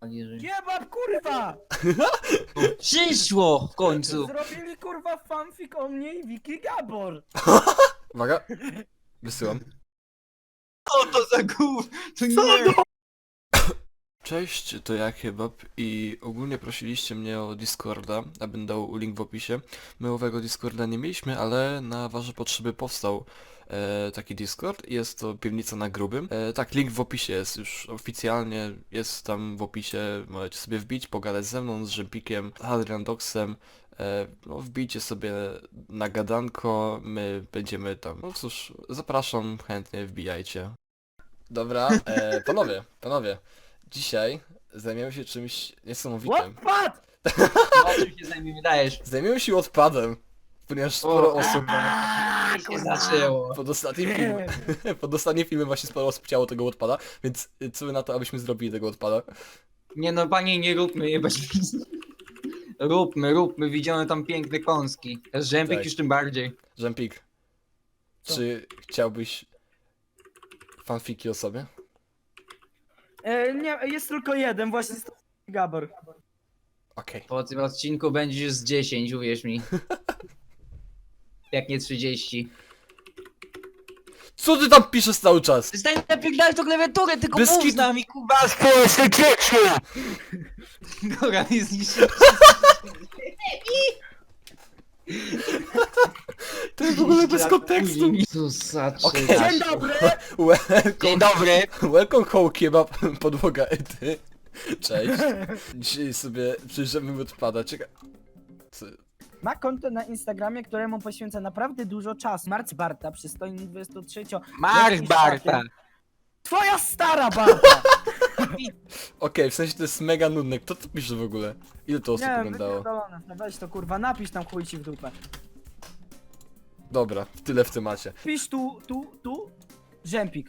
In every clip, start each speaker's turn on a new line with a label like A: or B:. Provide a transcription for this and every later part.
A: Jebab, kurwa!
B: Przyszło w końcu!
A: Zrobili kurwa fanfic o mnie i Wiki Gabor!
C: Uwaga. Wysyłam.
B: Co to za gów? To nie!
C: Cześć, to ja Kebab i ogólnie prosiliście mnie o Discorda, abym dał link w opisie. My owego Discorda nie mieliśmy, ale na wasze potrzeby powstał taki Discord. Jest to Piwnica na Grubym. Tak, link w opisie jest już oficjalnie, jest tam w opisie, możecie sobie wbić, pogadać ze mną, z Rzempikiem, Adriandoxem. No, wbijcie sobie na gadanko, my będziemy tam. No cóż, zapraszam, chętnie wbijajcie. Dobra, panowie. Dzisiaj zajmiemy się czymś niesamowitym.
A: What?
B: O czym się zajmiemy, dajesz?
C: Zajmiemy się odpadem, ponieważ sporo osób
B: się zaczęło.
C: pod ostatnim filmem właśnie sporo osób chciało tego odpada, więc co wy na to, abyśmy zrobili tego odpada?
B: Nie no, panie, nie róbmy, jebać. Róbmy, widziałem tam piękne kąski. Rzępik
C: Tak.
B: już tym bardziej.
C: Żempik,
A: Co?
C: czy chciałbyś fanfiki o sobie?
A: Nie, jest tylko jeden, właśnie jest to Gabor.
C: Okej.
B: Po tym odcinku będzie już z 10, uwierz mi. Jak nie 30.
C: Co ty tam piszesz cały czas?
B: Przestań napierdalać tą klawiaturę, tylko
C: Bez
B: mów
C: kitu.
B: z nami, Kuba! Społeczne dzieci! Goran jest niższy.
C: To jest w ogóle bez kontekstu.
B: Okej.
A: Dzień dobry!
B: Dzień dobry!
C: Welcome home kebab, podłoga ety. Cześć. Dzisiaj sobie przyjrzymy odpada. Czekaj. Co?
A: Ma konto na Instagramie, któremu poświęca naprawdę dużo czasu. Marc Barta, przystojny 23.
B: Mark Barta!
A: Twoja stara Barta!
C: Okej, w sensie to jest mega nudne. Kto to pisze w ogóle? Ile to osób
A: Nie,
C: oglądało?
A: wypierdolone. No weź to kurwa, napisz tam chuj ci w dupę.
C: Dobra, tyle w temacie.
A: Pisz tu, Rzępik.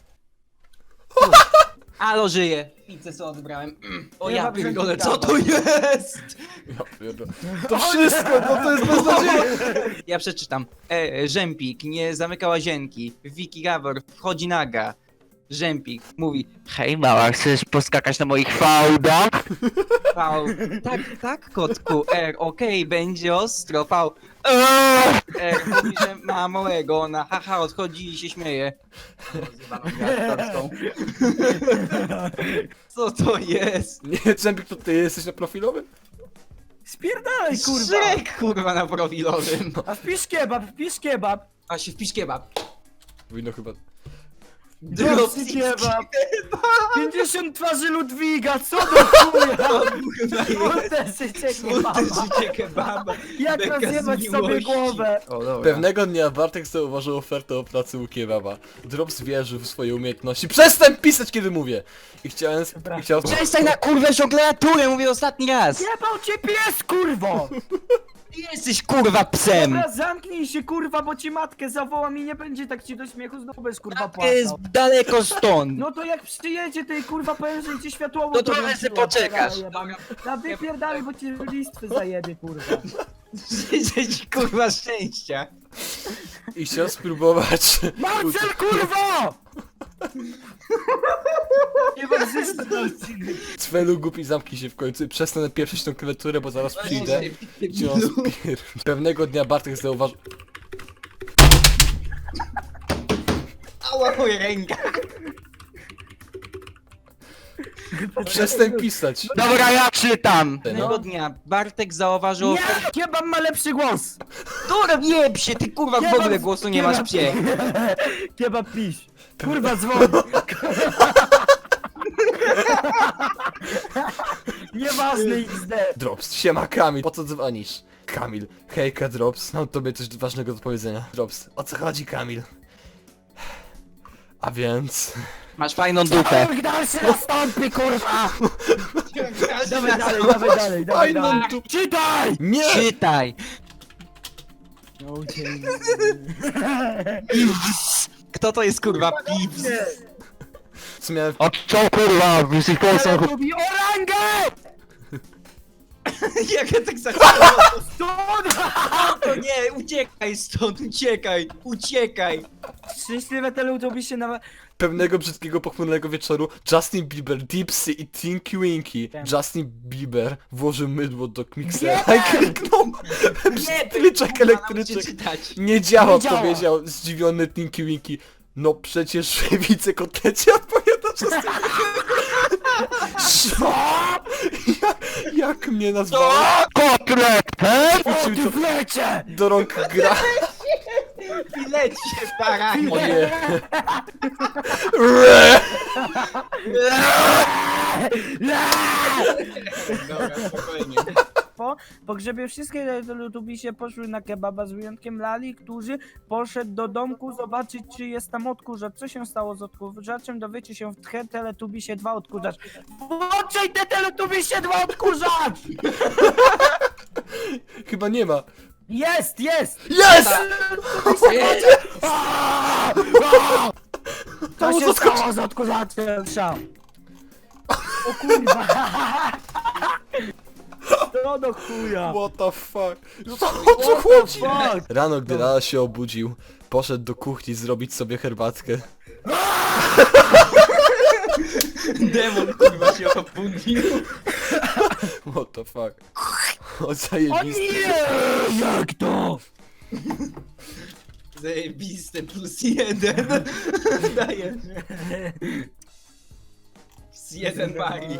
B: Alo, żyje! Pizzę sobie odebrałem. O
A: Nie
B: ja
A: ma
B: pierdolę,
A: brzękika.
B: co to jest?
C: Ja pierdolę. To wszystko, bo to jest beznadziejne.
B: Ja przeczytam. Rzępik nie zamyka łazienki. Wiki Gabor wchodzi naga. Rzępik mówi: hej mała, chcesz poskakać na moich fałdach? V. Tak, kotku. R. Okej, będzie ostro. V. R. Mówi, że ma małego. Ona haha odchodzi i się śmieje. Co to jest?
C: Nie, Czempik, to ty jesteś na profilowym?
A: Spierdalaj kurwa!
B: Szrek, kurwa, na profilowym.
A: A wpisz kebab!
B: A się wpisz kebab.
C: Powinno chyba...
A: Dropsy kebab! 50 twarzy Ludwiga, co do chuja! Smutne życie
B: Smutne
A: kebaba!
B: życie kebaba.
A: Jak
B: Beka z
A: rozjebać sobie
B: miłości.
A: głowę!
B: O, dobra.
C: Pewnego dnia Bartek zauważył ofertę o pracy u kebaba. Drops wierzył w swoje umiejętności. Przestań pisać, kiedy mówię! I chciałem...
B: Przestań na kurwę klawiaturę, mówię ostatni raz!
A: Jebał cię pies, kurwo!
B: Ty jesteś kurwa psem!
A: Dobra, zamknij się kurwa, bo ci matkę zawołam i nie będzie tak ci do śmiechu, znowu będziesz kurwa
B: To jest
A: płakał.
B: daleko stąd!
A: No to jak przyjedzie tej kurwa powiem, że ci światłowo
B: No trochę se poczekasz.
A: Na wypierdalaj, bo ci listwy zajebie kurwa.
B: Życzę ci kurwa szczęścia!
C: I chciał spróbować...
A: Marcel kurwo! Nie ma zysku na odcinek.
C: Cwelu głupi, zamknij się w końcu i przestanę pieprzyć tą klawiaturę, bo zaraz przyjdę. Cię Pewnego dnia Bartek zauważył...
B: Ała moja ręka!
C: Przestań pisać!
B: Dobra, ja czytam!
C: No.
B: Pewnego dnia Bartek zauważył...
A: Nie! Kebab ma lepszy głos!
B: Dobra, nie psie, ty kurwa w ogóle głosu nie masz psie!
A: Kebab pisz. Kurwa dzwoni. Nieważne XD.
C: Drops, siema Kamil, po co dzwonisz? Kamil, hejka Drops, mam tobie coś ważnego do powiedzenia. Drops, o co chodzi Kamil? A więc...
B: Masz fajną dupę!
A: Niech dalszy nastąpi kurwa! Dawaj dalej.
C: Fajną tu-
A: Czytaj!
C: Nie!
B: Czytaj! Kto to jest kurwa Pips?
C: Co miałem...
B: O co kurwa, jesteś
A: Ale lubi orangę!
B: Jak ja tak zaczęłam?
A: Stąd!
B: To nie, uciekaj stąd, uciekaj!
A: Szczęśliwe Teletubbies na...
C: Pewnego brzydkiego, pochmurnego wieczoru Justin Bieber, Dipsy i Tinky Winky.
A: Wiem.
C: Justin Bieber włożył mydło do miksera
A: Nie!
C: i kliknął. Klyczek elektryczny.
B: czytać.
C: Nie działa,
A: Nie działa.
C: powiedział zdziwiony Tinky Winky. No przecież wicekotlecie odpowiada przez
A: Co?
C: jak mnie nazwałeś?
B: Kotlet!
A: O, ty wlecie!
C: Do rąk gra.
B: Filecie, baranie!
C: O nie. Re!
B: Dobra, spokojnie.
A: Po pogrzebie wszystkie Teletubbies poszły na kebaba z wyjątkiem Lali, który poszedł do domku zobaczyć, czy jest tam odkurzacz. Co się stało z odkurzaczem? Dowiecie się w Tche Teletubbisie 2 odkurzacz. Włączaj te Teletubbisie 2 odkurzacz!
C: Chyba nie ma.
A: Jest, jest!
C: Jest!
A: Co się
C: zaskoczy-
A: stało z odkurzaczem? O kurwa! Co do chuja?
C: What the fuck? O co chodzi?
A: Fuck!
C: Rano, gdy Lala się obudził, poszedł do kuchni zrobić sobie herbatkę.
B: Demon kurwa się obudził.
C: What the fuck? O
A: O
C: zajebisty.
A: nie! Jak to?
B: Zajebiste +1. Daję. Z 1 bari.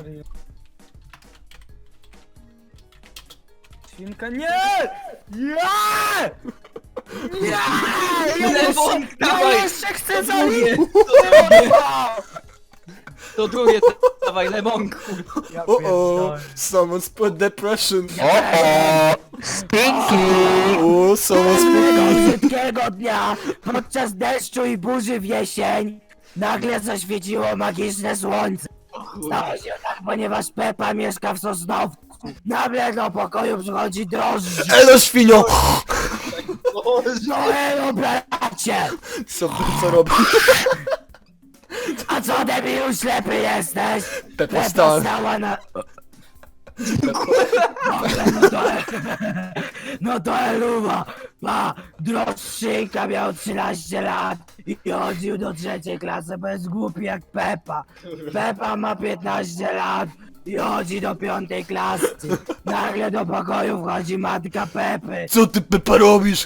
A: Świnka, nie! Nie! Nie!
B: Lemon,
A: Ja
B: dawaj!
A: jeszcze chcę
B: To drugie,
A: zaliczyć!
B: to drugie, dawaj lemonku.
A: Ja
C: O,
A: pierdolę.
C: someone's put depression.
B: Stinky!
C: O, someone's
A: Pewnego brzydkiego dnia, podczas deszczu i burzy w jesień, nagle zaświeciło magiczne słońce. Stało się tak, ponieważ Pepa mieszka w Sosnowcu. Nagle do pokoju przychodzi drożdż.
C: Elo świnio!
A: No elo, bracie!
C: Co robi?
A: A co, debilu, ślepy jesteś?
C: Pepa stała.
A: stała na... Dobra, no to Eluwa, pa, droższynka miał 13 lat i chodził do 3. klasy, bo jest głupi jak Pepa. Pepa ma 15 lat i chodzi do 5. klasy. Nagle do pokoju wchodzi matka Pepy.
C: Co ty, Pepa, robisz?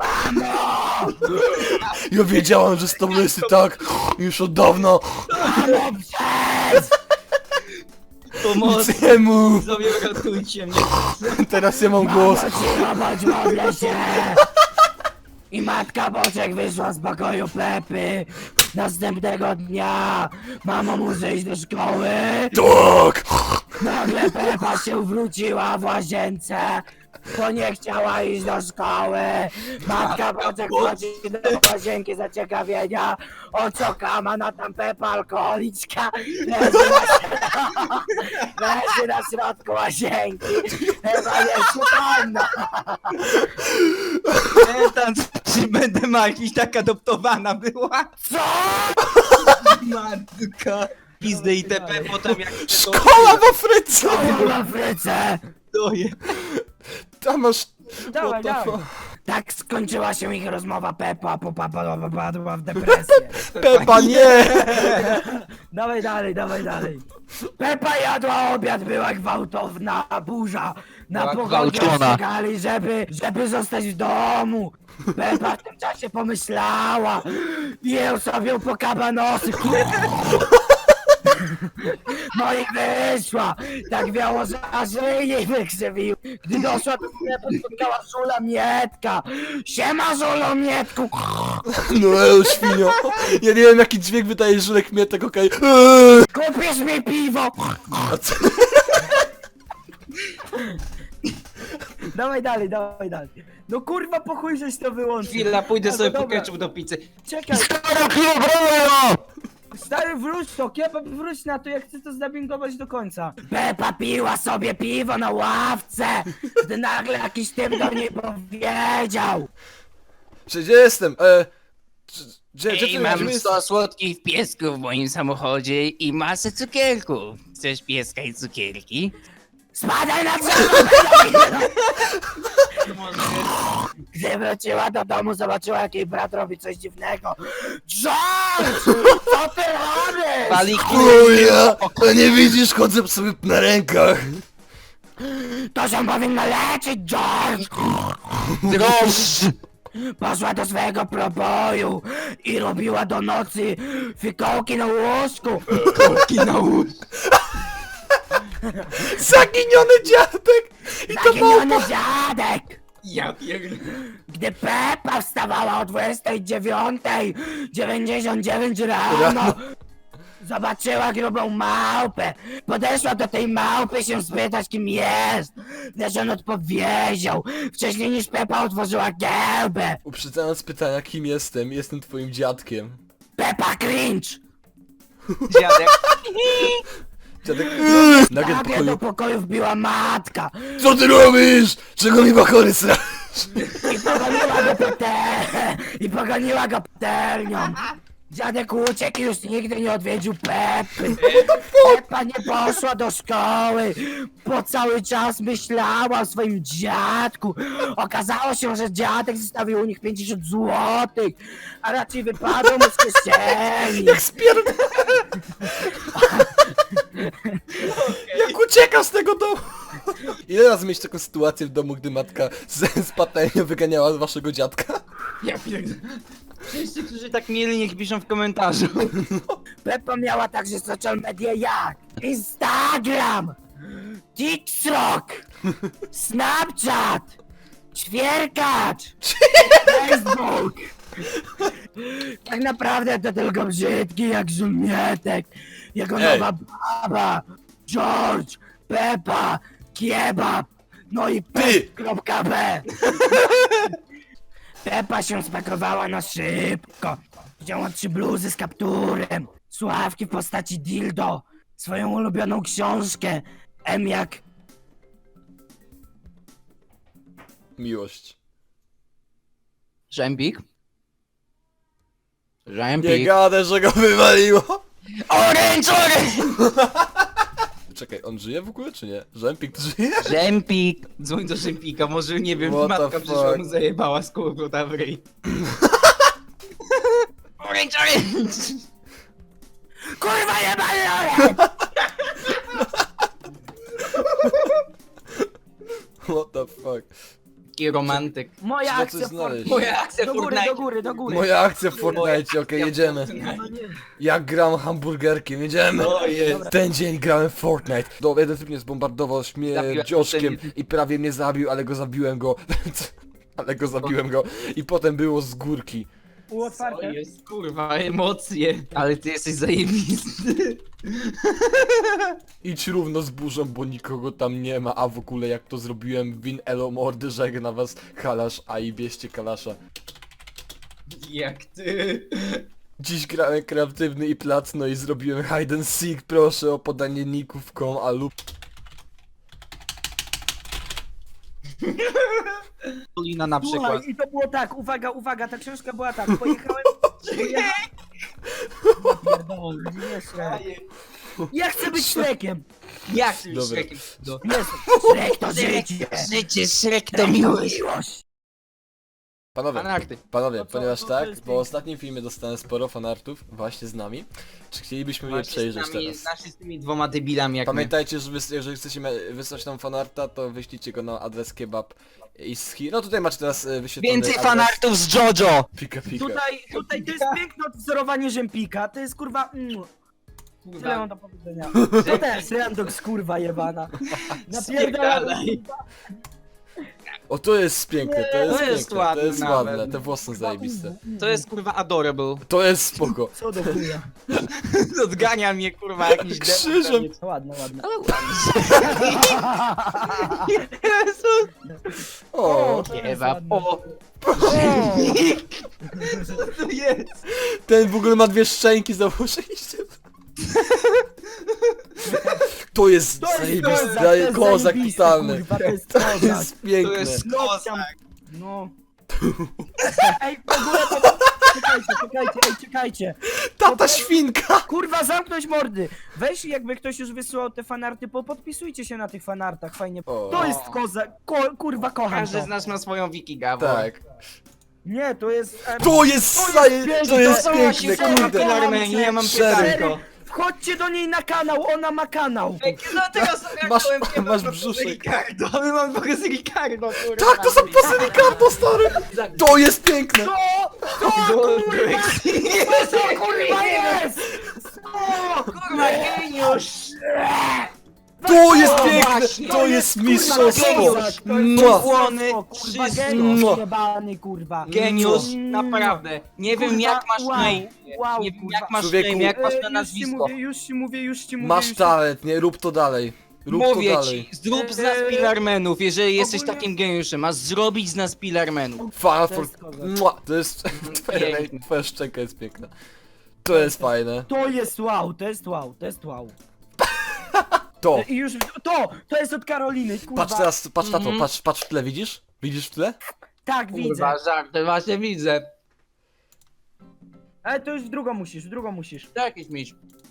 C: Ja wiedziałam, że z tobą jest i tak już od dawna.
A: Mamo, przez!
B: Pomocy!
C: Nie mów!
B: Sobie ratujcie mnie.
C: Teraz ja mam głos.
A: Mamo, cicho, bądź, modlę się! I matka Boczek wyszła z pokoju Pepy. Następnego dnia mama muszę iść do szkoły.
C: Tak!
A: Nagle Pepa się wróciła w łazience, bo nie chciała iść do szkoły. Matka Boczek wchodzi do łazienki zaciekawienia. O co kama, na tam Pepa alkoholiczka leży na środku łazienki. Chyba jest przytomna.
B: Tam czy będę ma jakiś tak adoptowana była?
A: Co?
B: Matka. Pizdy itp. Potem jak
C: Szkoła w Afryce!
A: Co w Afryce?
B: doje.
C: Tam masz...
A: Dawaj,
C: What the
A: dawaj.
C: fuck?
A: Tak skończyła się ich rozmowa. Pepa popadła w depresję.
C: Pepa, nie!
A: Dawaj dalej, dawaj dalej. Pepa jadła obiad, była gwałtowna burza. Na
B: Była
A: pogodzie
B: gwałcona.
A: ostrzegali, żeby zostać w domu. Pepa w tym czasie pomyślała. Jeł sobie po kabanosy. No i wyszła. Tak wiało, że aż jej nie wykrzywił. Gdy doszła do sklepu, spotkała Żula Mietka. Siema, Żulo Mietku.
C: No elo, świnio. Ja nie wiem, jaki dźwięk wydaje żulek mietek, okej.
A: Kupisz mi piwo.
C: A co?
A: Dawaj dalej, dawaj dalej. No kurwa, po chuj żeś to wyłączył.
B: Chwila, pójdę
A: Ale
B: sobie po
A: dobra.
B: ketchup do pizzy.
A: Czekaj, stary, wróć to, Kebab, wróć na to, jak chcę to zdubbingować do końca. Pepa piła sobie piwo na ławce, gdy nagle jakiś typ do niej powiedział.
C: Gdzie jestem? Gdzie
B: Ej,
C: ty
B: mam
C: jest?
B: 100 słodkich piesków w moim samochodzie i masę cukierków. Chcesz pieska i cukierki?
A: Spadaj na drzewo! Gdy wróciła do domu, zobaczyła, jak jej brat robi coś dziwnego. George! Co ty robisz?
B: Paliki.
C: Chuja! To nie widzisz, chodzę sobie na rękach.
A: To się powinno leczyć, George!
B: Drożdż!
A: Poszła do swojego proboju i robiła do nocy fikołki na łóżku.
B: Kołki na łóżku.
C: Zaginiony dziadek! I to
A: Zaginiony
C: małpa!
A: dziadek!
B: Ja pierdolę.
A: Gdy Peppa wstawała o 29:99 rano, zobaczyła grubą małpę. Podeszła do tej małpy się spytać, kim jest. Lecz on odpowiedział, wcześniej niż Peppa otworzyła gębę.
C: Uprzedzając pytania, kim jestem, jestem twoim dziadkiem.
A: Peppa cringe!
B: Dziadek.
C: Dziadek... Nagle w
A: Nagle
C: pokoju...
A: do pokoju wbiła matka
C: Co ty robisz? Czego mi bachory sra...
A: i pogoniła go patelnią. Dziadek uciekł i już nigdy nie odwiedził Peppy. Peppa nie poszła do szkoły, bo cały czas myślała o swoim dziadku. Okazało się, że dziadek zostawił u nich 50 złotych, a raczej wypadło mu z kieszeni.
C: Jak spierd... Jak ucieka z tego domu! Ile razy mieć taką sytuację w domu, gdy matka z patelnią wyganiała waszego dziadka?
B: Ja pierdolę. Wszyscy, którzy tak mieli, niech piszą w komentarzu.
A: Peppa miała także social media jak Instagram, TikTok, Snapchat, Ćwierkacz, Facebook. Tak naprawdę to tylko brzydki jak żumietek, jego
C: Ej.
A: nowa baba, George, Peppa, Kiebab, no i Pep.b. Peppa się spakowała na szybko. Wzięła 3 bluzy z kapturem, słuchawki w postaci dildo, swoją ulubioną książkę, M jak...
C: Miłość.
B: Rzępik.
C: Nie
B: Rzępik.
C: gadę, że go wywaliło!
B: Orange, orange!
C: Czekaj, on żyje w ogóle czy nie? Żempik to żyje?
B: Rzępik. Dzwoń do Rzępika, może nie wiem,
C: What the
B: matka przyszła
C: fuck?
B: mu zajebała z kurwa w ryj. Orange, orange!
A: Kurwa jebany Loren!
C: What the fuck?
B: Taki romantyk.
A: Moja
C: Trzeba coś
A: akcja
C: znaleźć.
B: Moja akcja
A: do góry,
B: Fortnite.
A: do góry, do góry.
C: Moja akcja w Fortnite, okej, jedziemy.
A: No nie.
C: Jak gram hamburgerkiem, jedziemy!
B: O jest.
C: Ten dzień grałem w Fortnite. No, jeden typ mnie zbombardował
B: Zabiłem
C: śmierdzioszkiem
B: ten-
C: i prawie mnie zabił, ale go zabiłem go. Ale go zabiłem go. I potem było z górki.
A: Było
B: To
A: otwarte.
B: jest kurwa emocje. Ale ty jesteś zajebisty.
C: Idź równo z burzą, bo nikogo tam nie ma, a w ogóle jak to zrobiłem, win elo mordy, żegna was kalasz, a i bierzcie kalasza.
B: Jak ty.
C: Dziś grałem kreatywny i placno i zrobiłem hide and seek, proszę o podanie ników a lub...
B: Polina na przykład.
A: Słuchaj, i to było tak, uwaga, ta książka była tak, pojechałem... Pierdolę, nie Shrek. Ja chcę być Shrekiem!
B: Jak ty
C: Dobra.
B: Shrekiem?
A: Jest, Shrek to życie!
B: Życie, Shrek to miłość.
C: Panowie,
B: Fanarty.
C: panowie,
A: To co,
C: ponieważ
A: to
C: tak,
A: jest
C: po
A: piękne.
C: ostatnim filmie dostałem sporo fanartów właśnie z nami, czy chcielibyśmy je przejrzeć teraz?
B: Znaczy z tymi dwoma debilami jak
C: Pamiętajcie, że jeżeli chcecie wysłać nam fanarta, to wyślijcie go na adres kebab i schi. No tutaj macie teraz wyświetlony
B: Więcej
C: adres.
B: fanartów z JoJo!
C: Pika pika.
A: Tutaj to jest piękne odwzorowanie Rzępika, to jest kurwa... Tyle mam do powiedzenia. To też Randox kurwa jebana. Napierdala.
B: Spierdalaj.
C: O, to jest piękne, to jest
B: To jest
C: piękne,
B: ładne
C: to jest
B: nawet.
C: ładne, te włosy są zajebiste.
B: To jest kurwa adorable.
C: To jest spoko.
A: Co do chuja.
B: Odgania mnie kurwa jakiś
C: Krzyżem.
A: Ładne.
B: Ale ładnie. Jezu.
C: O,
A: to jest
B: Kebab.
A: ładne.
B: O. Co to jest?
C: ten w ogóle ma 2 szczęki, założyliście. To jest zajebiste, kozak totalny.
A: Kurwa, to jest
C: To
A: kozak.
C: jest
B: To
C: piękne.
B: jest
A: No,
B: kozak.
A: no. Ej, w ogóle to... czekajcie.
C: Tata świnka!
A: Kurwa, zamknąć mordy! Weź, jakby ktoś już wysyłał te fanarty, podpisujcie się na tych fanartach, fajnie.
C: O.
A: To jest koza, kurwa, kocham
B: Każdy
A: to.
B: z nas ma swoją Wiki Gawor.
C: Tak.
A: Nie, to jest...
C: To jest to jest
B: To
C: piękne,
B: właśnie
C: kurde.
B: Armenii, ja mam
C: Szeryf.
B: pytanko.
A: Wchodźcie do niej na kanał, ona ma kanał!
B: No teraz
C: Masz brzuszek.
B: Ricardo, my mamy trochę z Ricardo, kurwa.
C: Tak, to są pasy Ricardo, stary! To jest piękne!
A: To kurwa jest!
B: Kurwa, geniusz!
C: To jest
B: O,
C: piękne!
B: właśnie.
C: To jest
A: Kurwa,
C: mistrzostwo!
A: geniusz, to jest
C: Mua.
B: Błony,
A: Kurwa,
B: wszystko.
A: geniusz jebany, kurwa.
B: Geniusz,
A: Mm.
B: naprawdę. Nie wiem
A: Kurwa,
B: jak masz
A: wow,
B: na imię.
A: wow,
B: Nie wiem
A: kurwa.
B: jak masz na
C: Człowieku.
B: imię, jak masz na
A: Już ci
B: nazwisko.
A: mówię, już ci mówię.
C: Masz talent, nie? Rób to dalej. Rób
B: Mówię
C: to dalej.
B: ci, zrób z nas pilarmenów, jeżeli jesteś
A: ogólnie-
B: takim geniuszem, masz zrobić z nas pilarmenów.
C: Final
A: To
C: for...
A: jest kozak.
C: Mua. To jest...
B: Piękne.
C: Twoja szczęka jest piękna. To jest fajne.
A: To jest wow, to jest wow, to jest wow.
C: To!
A: I już, to jest od Karoliny, kurwa.
C: Patrz teraz, patrz na to,
B: Mhm.
C: patrz w tle, widzisz? Widzisz w tle?
A: Tak, widzę.
B: Kurwa, żarty, właśnie widzę.
A: Ale to już w drugą musisz,
B: To jakiś miś.